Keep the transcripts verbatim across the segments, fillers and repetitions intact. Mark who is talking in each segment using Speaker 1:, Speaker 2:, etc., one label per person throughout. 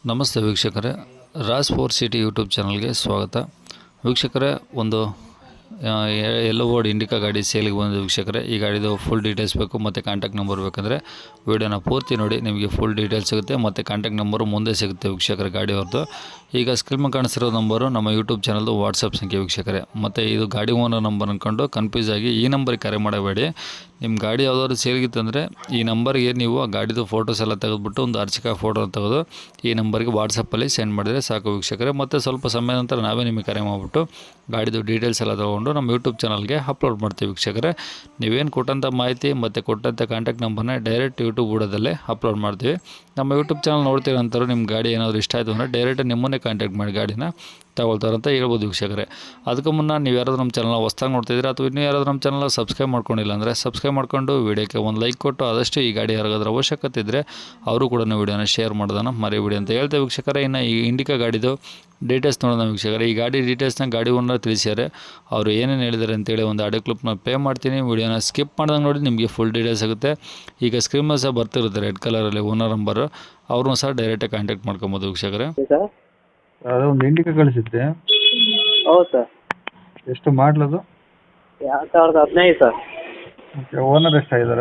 Speaker 1: ನಮಸ್ತೆ ವೀಕ್ಷಕರೇ, Raj four city YouTube ಚಾನಲ್ಗೆ ಸ್ವಾಗತ. ವೀಕ್ಷಕರೇ, ಒಂದು ಎಲ್ಲೋ ಬೋರ್ಡ್ ಇಂಡಿಕಾ ಗಾಡಿ ಸೇಲಿಗೆ ಬಂದಿದೆ ವೀಕ್ಷಕರೇ. ಈ ಗಾಡಿದು ಫುಲ್ ಡೀಟೇಲ್ಸ್ ಬೇಕು ಮತ್ತು ಕಾಂಟ್ಯಾಕ್ಟ್ ನಂಬರ್ ಬೇಕಂದರೆ ವೀಡಿಯೋನ ಪೂರ್ತಿ ನೋಡಿ, ನಿಮಗೆ ಫುಲ್ ಡೀಟೇಲ್ಸ್ ಸಿಗುತ್ತೆ ಮತ್ತು ಕಾಂಟ್ಯಾಕ್ಟ್ ನಂಬರು ಮುಂದೆ ಸಿಗುತ್ತೆ ವೀಕ್ಷಕರೇ ಗಾಡಿ ಅವ್ರದ್ದು. ಈಗ ಸ್ಕ್ರೀನ್ ಮೇಲೆ ಕಾಣಿಸಿರೋ ನಂಬರು ನಮ್ಮ ಯೂಟ್ಯೂಬ್ ಚಾನಲ್ದು ವಾಟ್ಸಪ್ ಸಂಖ್ಯೆ ವೀಕ್ಷಕರೇ. ಮತ್ತು ಇದು ಗಾಡಿ ಓನರ್ ನಂಬರ್ ಅಂದ್ಕೊಂಡು ಕನ್ಫ್ಯೂಸ್ ಆಗಿ ಈ ನಂಬರ್ಗೆ ಕರೆ ಮಾಡಬೇಡಿ. ನಿಮ್ಮ ಗಾಡಿ ಯಾವುದಾದ್ರು ಸೇರಿಗಿತ್ತಂದರೆ ಈ ನಂಬರ್ಗೆ ನೀವು ಆ ಗಾಡಿದು ಫೋಟೋಸ್ ಎಲ್ಲ ತೆಗೆದುಬಿಟ್ಟು ಒಂದು ಅರ್ಚಕ ಫೋಟೋ ತೆಗೆದು ಈ ನಂಬರ್ಗೆ ವಾಟ್ಸಪ್ಪಲ್ಲಿ ಸೆಂಡ್ ಮಾಡಿದರೆ ಸಾಕು ವೀಕ್ಷಕರೇ. ಮತ್ತು ಸ್ವಲ್ಪ ಸಮಯ ನಂತರ ನಾವೇ ನಿಮಗೆ ಕರೆ ಮಾಡಿಬಿಟ್ಟು ಗಾಡಿದು ಡೀಟೇಲ್ಸ್ ಎಲ್ಲ ತೊಗೊಂಡು ನಮ್ಮ ಯೂಟ್ಯೂಬ್ ಚಾನಲ್ಗೆ ಅಪ್ಲೋಡ್ ಮಾಡ್ತೀವಿ ವೀಕ್ಷಕರೇ. ನೀವೇನು ಕೊಟ್ಟಂಥ ಮಾಹಿತಿ ಮತ್ತು ಕೊಟ್ಟಂಥ ಕಾಂಟ್ಯಾಕ್ಟ್ ನಂಬರ್ನ ಡೈರೆಕ್ಟ್ ಯೂಟ್ಯೂಬ್ ಬುಡದಲ್ಲೇ ಅಪ್ಲೋಡ್ ಮಾಡ್ತೀವಿ. ನಮ್ಮ ಯೂಟ್ಯೂಬ್ ಚಾನಲ್ ನೋಡ್ತೀರಂತಾರೆ ನಿಮ್ಮ ಗಾಡಿ ಏನಾದರೂ ಇಷ್ಟ ಆಯಿತು ಅಂದರೆ ಡೈರೆಕ್ಟ್ ನಿಮ್ಮನ್ನೇ ಕಾಂಟ್ಯಾಕ್ಟ್ ಮಾಡಿ ಗಾಡಿನ ತಗೊಳ್ತಾರಂತ ಹೇಳ್ಬೋದು ವೀಕ್ಷಕರೇ. ಅದಕ್ಕೂ ಮುನ್ನ ನೀವು ಯಾರಾದರೂ ನಮ್ಮ ಚಾನಲ್ ಹೊಸ್ದಾಗಿ ನೋಡ್ತಿದ್ದೀರಾ ಅಥವಾ ಇನ್ನೂ ಯಾರಾದರೂ ನಮ್ಮ ಚಾನಲ್ ಸಬ್ಸ್ಕ್ರೈಬ್ ಮಾಡ್ಕೊಂಡಿಲ್ಲ ಅಂದರೆ ಸಬ್ಸ್ಕ್ರೈಬ್ ಮಾಡ್ಕೊಂಡು ವೀಡಿಯೋಕ್ಕೆ ಒಂದು ಲೈಕ್ ಕೊಟ್ಟು ಆದಷ್ಟು ಈ ಗಾಡಿ ಯಾರಿಗಾದ್ರೂ ಅವಶ್ಯಕತೆ ಇದ್ದರೆ ಅವರು ಕೂಡ ವೀಡಿಯೋನ ಶೇರ್ ಮಾಡೋದನ್ನು ಮರಿಬೇಡಿ ಅಂತ ಹೇಳ್ತೇವೆ ವೀಕ್ಷಕರೇ. ಇನ್ನು ಈ ಇಂಡಿಕಾ ಗಾಡಿದು ಡೀಟೇಲ್ಸ್ ನೋಡೋಣ ವೀಕ್ಷಕರೇ. ಈ ಗಾಡಿ ಡೀಟೇಲ್ಸ್ನ ಗಾಡಿ ಓನರ್ ತಿಳಿಸ್ಯಾರೆ. ಅವರು ಏನೇನು ಹೇಳಿದ್ದಾರೆ ಅಂತೇಳಿ ಒಂದು ಆಡಿಯೋ ಕ್ಲಿಪ್ನ ಪ್ಲೇ ಮಾಡ್ತೀನಿ. ವೀಡಿಯೋನ ಸ್ಕಿಪ್ ಮಾಡ್ದಂಗೆ ನೋಡಿ, ನಿಮಗೆ ಫುಲ್ ಡೀಟೇಲ್ಸ್ ಆಗುತ್ತೆ. ಈಗ ಸ್ಕ್ರೀನ್ ಮೇಲೆ ಸಹ ಬರ್ತಿರುತ್ತೆ ರೆಡ್ ಕಲರಲ್ಲಿ ಓನರ್ ನಂಬರು, ಅವ್ರನ್ನೂ ಸಹ ಡೈರೆಕ್ಟಾಗಿ ಕಾಂಟ್ಯಾಕ್ಟ್ ಮಾಡ್ಕೊಬೋದು ವೀಕ್ಷಕರೇ.
Speaker 2: ಅದು ಒಂದು ಇಂಡಿಕಾ ಕಳಿಸಿದ್ದೆ.
Speaker 3: ಹೌದು ಸರ್.
Speaker 2: ಎಷ್ಟು ಮಾಡಲದು?
Speaker 3: ಎರಡು ಸಾವಿರದ ಹದಿನೈದು ಸರ್.
Speaker 2: ಓಕೆ, ಓನರ್ ಎಷ್ಟಾಗಿದ್ದಾರೆ?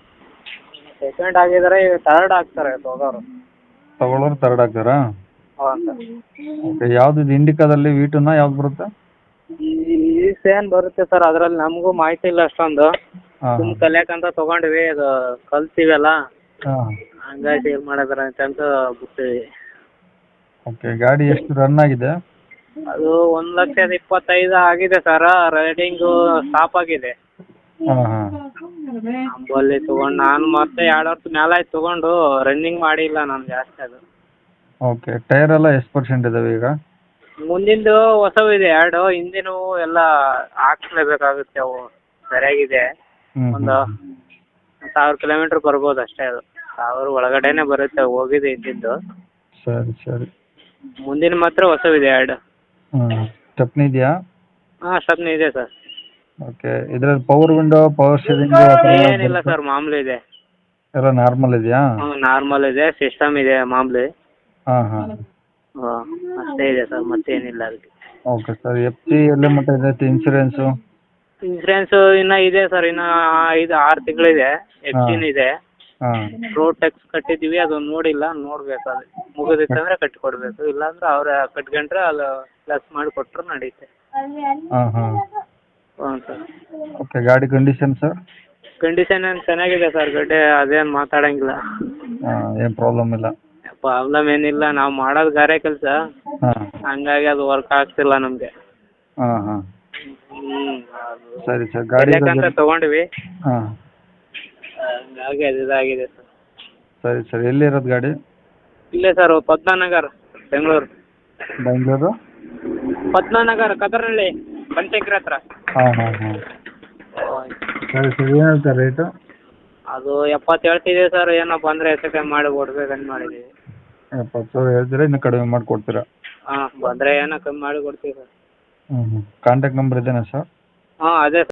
Speaker 3: ಸೆಕೆಂಡ್ ಆಗಿದ್ದಾರೆ, ಈಗ ಥರ್ಡ್ ಆಗ್ತಾರೆ ಹೋಗೋರು.
Speaker 2: ತಗೊಳ್ಳೋರು ತರ್ಡ್ ಆಗ್ತಾರಾ?
Speaker 3: ಹಾಂ ಸರ್.
Speaker 2: ಓಕೆ, ಯಾವ್ದು ಇದು ಇಂಡಿಕಾದಲ್ಲಿ ವೀಟುನ ಯಾವ್ದು ಬರುತ್ತೆ?
Speaker 3: ಈ ಸೇನ್ ಬರುತ್ತೆ ಸರ್, ಅದರಲ್ಲಿ ನಮಗೂ ಮಾಹಿತಿ ಇಲ್ಲ ಅಷ್ಟೊಂದು.
Speaker 2: ಹಾಂ
Speaker 3: ಸುಮ್ ಕಲಿಯಾಕಂತ ತೊಗೊಂಡ್ವಿ, ಅದು ಕಲ್ತೀವಲ್ಲ
Speaker 2: ಹಾಂ.
Speaker 3: ಹಂಗಾಗಿ ಸೇಲ್ ಮಾಡಿದಾರೆ ಅಂತ ಬಿಡ್ತೀವಿ.
Speaker 2: ಓಕೆ, ಗಾಡಿ ಎಷ್ಟು ರನ್ ಆಗಿದೆ?
Speaker 3: ಅದು ಒಂದು ಲಕ್ಷದ ಇಪ್ಪತ್ತೈದು ಆಗಿದೆ ಸರ್. ರೈಡಿಂಗು ಸ್ಟಾಪ್ ಆಗಿದೆ.
Speaker 2: ಹಾಂ ಹಾಂ.
Speaker 3: ಅಂಬಲ್ಲಿ ತೊಗೊಂಡು ನಾನು ಮತ್ತೆ ಎರಡು ವರ್ಷ ಮೇಲೆ ಆಯ್ತು ತೊಗೊಂಡು, ರನ್ನಿಂಗ್ ಮಾಡಿಲ್ಲ ನಾನು ಜಾಸ್ತಿ. ಅದು
Speaker 2: ಓಕೆ, ಟೈರ್ ಎಲ್ಲ ಎಷ್ಟು ಪರ್ಸೆಂಟ್ ಇದಾವೆ ಈಗ?
Speaker 3: ಮುಂದಿಂದು ಹೊಸವು ಇದೆ ಎರಡು, ಹಿಂದಿನೂ ಎಲ್ಲ ಹಾಕ್ಸ್ಲೇಬೇಕಾಗುತ್ತೆ. ಅವು ಸರಿಯಾಗಿದೆ.
Speaker 2: ಹ್ಞೂ
Speaker 3: ಒಂದು ಸಾವಿರ ಕಿಲೋಮೀಟ್ರ್ ಬರ್ಬೋದು ಅಷ್ಟೇ. ಅದು ಸಾವಿರ ಒಳಗಡೆನೆ ಬರುತ್ತೆ, ಹೋಗಿದೆ ಹಿಂದಿಂದು.
Speaker 2: ಸರಿ ಸರಿ.
Speaker 3: ಮುಂದಿನ ಮಾತ್ರ ಹೊಸವಿದೆ ಎರಡು.
Speaker 2: ಹ್ಞೂ, ಸ್ಟೆಪ್ನಿ ಇದೆಯಾ?
Speaker 3: ಹಾಂ, ಸ್ಟೆಪ್ನಿ ಇದೆ ಸರ್.
Speaker 2: ಓಕೆ, ಇದರಲ್ಲಿ ಪವರ್ ವಿಂಡೋ, ಪವರ್ ಸ್ಟೀರಿಂಗು
Speaker 3: ಏನಿಲ್ಲ ಸರ್, ಮಾಮೂಲಿ ಇದೆ.
Speaker 2: ಎಲ್ಲ ನಾರ್ಮಲ್ ಇದೆಯಾ?
Speaker 3: ಹ್ಞೂ, ನಾರ್ಮಲ್ ಇದೆ. ಸಿಸ್ಟಮ್ ಇದೆ ಮಾಮೂಲಿ.
Speaker 2: ಹಾಂ ಹಾಂ.
Speaker 3: ಹಾಂ, ಅಷ್ಟೇ ಇದೆ ಸರ್, ಮತ್ತೇನಿಲ್ಲ ಅದಕ್ಕೆ.
Speaker 2: Okay sir. ಎಫ್ ಸಿ ಎಲ್ಲ ಮಟ್ಟ ಇದೆ? ಇನ್ಸೂರೆನ್ಸು?
Speaker 3: ಇನ್ಸೂರೆನ್ಸು ಇನ್ನೂ ಇದೆ ಸರ್, ಇನ್ನೂ ಐದು ಆರು ತಿಂಗಳಿದೆ. ಎಫ್ ಸಿನೂ ಇದೆ.
Speaker 2: ಹಾಂ.
Speaker 3: ರೋಡ್ ಟ್ಯಾಕ್ಸ್ ಕಟ್ಟಿದ್ದೀವಿ, ಅದು ನೋಡಿಲ್ಲ, ನೋಡ್ಬೇಕು. ಅದು ಮುಗಿದಿತ್ತಂದ್ರೆ ಕಟ್ಟಿ ಕೊಡಬೇಕು, ಇಲ್ಲಾಂದ್ರೆ ಅವ್ರು ಕಟ್ಕೊಂಡ್ರೆ ಅದು ಪ್ಲಸ್ ಮಾಡಿ ಕೊಟ್ಟರು ನಡೆಯುತ್ತೆ.
Speaker 2: ಹಾಂ ಹಾಂ.
Speaker 3: ಹ್ಞೂ ಸರ್.
Speaker 2: ಓಕೆ, ಗಾಡಿ ಕಂಡೀಷನ್ ಸರ್?
Speaker 3: ಕಂಡೀಷನ್ ಏನು ಚೆನ್ನಾಗಿದೆ ಸರ್, ಗಡ್ಡೆ ಅದೇನು ಮಾತಾಡೋಂಗಿಲ್ಲ.
Speaker 2: ಹಾಂ, ಏನು ಪ್ರಾಬ್ಲಮ್ ಇಲ್ಲ?
Speaker 3: ಪ್ರಾಬ್ಲಮ್ ಏನಿಲ್ಲ, ನಾವು ಮಾಡೋದು ಗಾರೆ ಕೆಲಸ,
Speaker 2: ಹಾಂ.
Speaker 3: ಹಂಗಾಗಿ ಅದು ವರ್ಕ್ ಆಗ್ತಿಲ್ಲ ನಮಗೆ.
Speaker 2: ಹಾಂ ಹಾಂ.
Speaker 3: ಹ್ಞೂ,
Speaker 2: ಸರಿ ಸರ್. ಗಾಡಿ
Speaker 3: ಅಂತ ತೊಗೊಂಡ್ವಿ,
Speaker 2: ಹಾಂ.
Speaker 3: ಹಂಗಾಗಿ ಅದು ಇದಾಗಿದೆ ಸರ್.
Speaker 2: ಸರಿ ಸರ್. ಎಲ್ಲಿರೋದು ಗಾಡಿ?
Speaker 3: ಇಲ್ಲೇ ಸರ್, ಪದ್ಮನಗರ್, ಬೆಂಗಳೂರು.
Speaker 2: ಬೆಂಗಳೂರು
Speaker 3: ಪದ್ಮನಗರ್, ಕದರಹಳ್ಳಿ, ಬಂಟೆಕ್ರಿ ಹತ್ರ.
Speaker 2: ಹಾಂ ಹಾಂ ಹಾಂ. ಸರಿ ಸರ್. ಏನು ಹೇಳ್ತಾರೆ ರೇಟು?
Speaker 3: ಅದು ಎಪ್ಪತ್ತು ಹೇಳ್ತಿದ್ದೀವಿ ಸರ್, ಏನೋ ಬಂದರೆ ಹೆಚ್ಚು ಕಮ್ಮಿ ಮಾಡಿ ಕೊಡ್ಬೇಕಂತ ಮಾಡಿದ್ದೀವಿ.
Speaker 2: ಎಪ್ಪತ್ತು ಸಾವಿರ ಹೇಳ್ತೀರಾ, ಇನ್ನೂ ಕಡಿಮೆ ಮಾಡಿ ಕೊಡ್ತೀರಾ?
Speaker 3: ಹಾಂ, ಬಂದರೆ ಏನೋ ಕಮ್ಮಿ ಮಾಡಿ ಕೊಡ್ತೀವಿ ಸರ್.
Speaker 2: ಹ್ಞೂ ಹ್ಞೂ. ಕಾಂಟ್ಯಾಕ್ಟ್ ನಂಬರ್ ಇದೇನಾ ಸರ್?
Speaker 3: ಹಾಂ, ಅದೇ